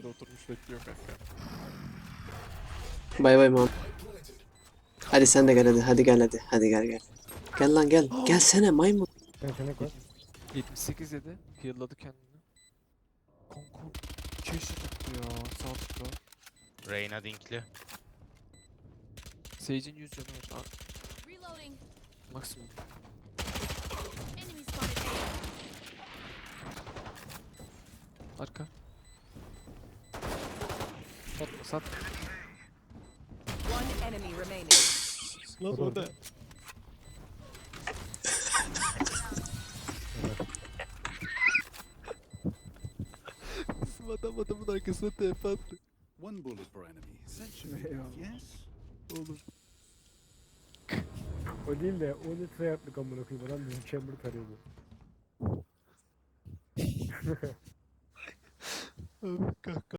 önünde oturmuş bekliyor kanka. Bay bay mam. Hadi sen de gel hadi. Hadi gel hadi. Hadi gel gel. Gel lan gel. Gelsene maymun. Yetenek var. 78 yedi. Heal'ladı kendini. Kanka. 2 eşi tuttu ya. Sağ tıkla. Reyna dinkli. Sage'in 100 canı var. Aa, Reloading. maksimum. Enemy spotted. Arka. Satma sat. One enemy remaining. Lan O da orada. Bizim adam adamın arkasına TP attı. One bullet per enemy. That should be enough, yes? Oğlum. O değil de 10 litre yaptık amına koyayım. Adam bizim chamber tarıyordu. Abi kanka.